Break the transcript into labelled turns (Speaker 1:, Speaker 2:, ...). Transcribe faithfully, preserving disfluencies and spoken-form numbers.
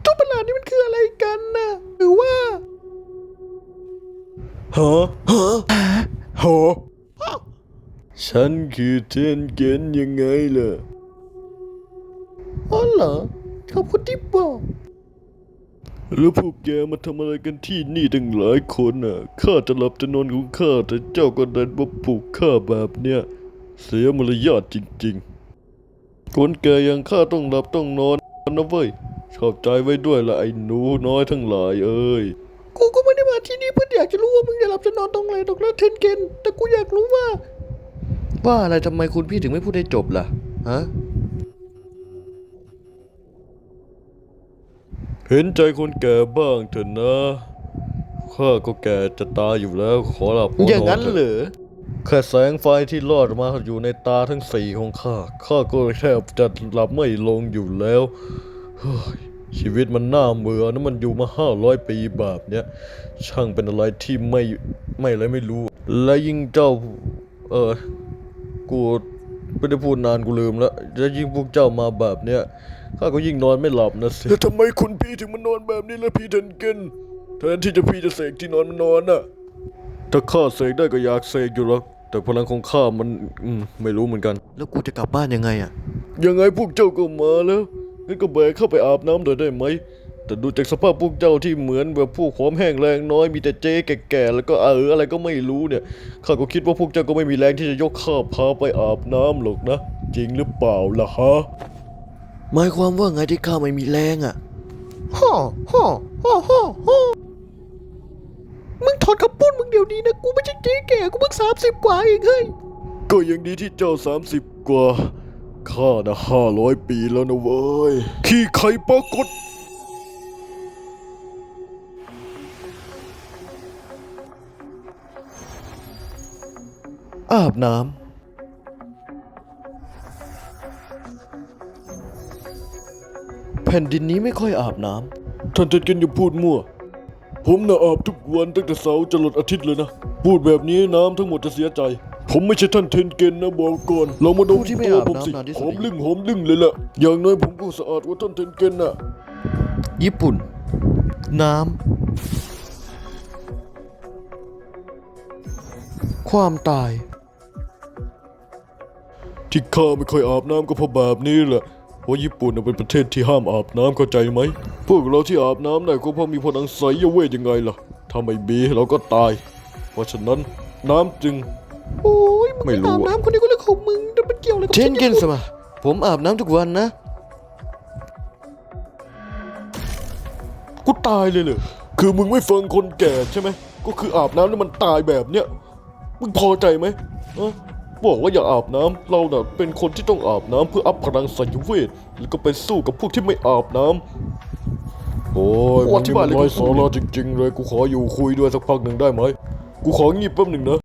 Speaker 1: ตัวประหลาดนี่มันคืออะไรกันนะหรือว่าฮะฮะฮะฉันคือเทนเกนยังไงล่ะอ๋อเหรอขอบคุณที่บอกแล้วพวกแกมาทำอะไรกันที่นี่ตั้งหลายคนน่ะข้าจะหลับจะนอนของข้าแต่เจ้าก็เดินมาปลุกข้าแบบเนี้ยเสียมารยาทจริงๆคนแกอย่างข้าต้องหลับต้องนอนนะเว้ยชอบใจไว้ด้วยละไอ้หนูน้อยทั้งหลายเอ้ยกูก็ไม่ได้มาที่นี่เพื่ออยากจะรู้ว่ามึงจะหลับจะนอนตรงไหนตรงนั้นเทนเกนแต่กูอยากรู้ว่าว่าอะไรทำไมคุณพี่ถึงไม่พูดให้จบล่ะฮะเห็นใจคนแก่บ้างเถอะนะข้าก็แก่จะตายอยู่แล้วขอหลับขอนอนอย่างนั้นเหรอแค่แสงไฟที่ลอดมาอยู่ในตาทั้งสี่ของข้าข้าก็แทบจะหลับไม่ลงอยู่แล้วเฮ้ยชีวิตมันน่าเบื่อนะมันอยู่มาห้าร้อยปีแบบเนี้ยช่างเป็นอะไรที่ไม่ไม่อะไรไม่รู้และยิ่งเจ้าเออกูไม่ได้พูดนานกูลืมแล้วแล้วยิ่งพวกเจ้ามาแบบเนี้ยข้าก็ยิ่งนอนไม่หลับนะสิแล้วทำไมคุณพี่ถึงมานอนแบบนี้ล่ะพี่เทนเกนแทนที่จะพี่จะเสกที่นอนมันนอนน่ะถ้าข้าเสกได้ก็อยากเสกอยู่หรอกแต่พลังของข้ามันอืมไม่รู้เหมือนกันแล้วกูจะกลับบ้านยังไงอะยังไงพวกเจ้าก็มาแล้วงั้นก็แบกเข้าไปอาบน้ำหน่อยได้ไหมแต่ดูจากสภาพพวกเจ้าที่เหมือนแบบพวกหอมแห้งแรงน้อยมีแต่เจ๊แก่ๆแล้วก็เอออะไรก็ไม่รู้เนี่ยข้าก็คิดว่าพวกเจ้าก็ไม่มีแรงที่จะยกข้าพาไปอาบน้ำหรอกนะจริงหรือเปล่าล่ะฮะหมายความว่าไงที่ข้าไม่มีแรงอ่ะฮ่อฮ่อฮ่อฮ่อฮ่อมึงถอดคำพูดมึงเดี๋ยวนี้นะกูไม่ใช่เจ๊แก่กูเพิ่งสามสิบกว่าเองเฮ้ยก็ยังดีที่เจ้าสามสิบกว่าข้านะห้าร้อยปีแล้วนะเว้ยขี้ไข่ปรากฏอาบน้ำแผ่นดินนี้ไม่ค่อยอาบน้ำท่านเท็ดเกนอย่าพูดมั่วผมน่ะอาบทุกวันตั้งแต่เสาร์จรดอาทิตย์เลยนะพูดแบบนี้น้ำทั้งหมดจะเสียใจผมไม่ใช่ท่านเทนเกนนะบอกก่อนเรามาดมตัวผมสิหอมลึ่งหอมลึ่งเลยล่ะอย่างน้อยผมก็สะอาดกว่าท่านเทนเกนน่ะญี่ปุ่นน้ำความตายที่ข้าไม่ค่อยอาบน้ำก็เพราะแบบนี้แหละเพราะญี่ปุ่นเป็นประเทศที่ห้ามอาบน้ำเข้าใจไหมพวกเราที่อาบน้ำได้ก็เพราะมีพลังไสยเวทยังไงล่ะถ้าไม่มีเราก็ตายเพราะฉะนั้นน้ำจึงโอ้ยมึงไม่อาบน้ำคนนี้ก็เรื่องของมึงแต่มันเกี่ยวอะไรกับเทนเกนสมาผมอาบน้ำทุกวันนะกูตายเลยเลยคือมึงไม่ฟังคนแก่ใช่ไหมก็คืออาบน้ำแล้วมันตายแบบเนี้ยมึงพอใจไหมอะบอกว่าอย่าอาบน้ำเราเนี่ยเป็นคนที่ต้องอาบน้ำเพื่ออัพพลังไสยเวทแล้วก็ไปสู้กับพวกที่ไม่อาบน้ำโอ้ยมันนี่มันไร้สาระจริงๆเลยกูขออยู่คุยด้วยสักพักหนึ่งได้ไหมกูของีบแป๊บหนึ่งนะ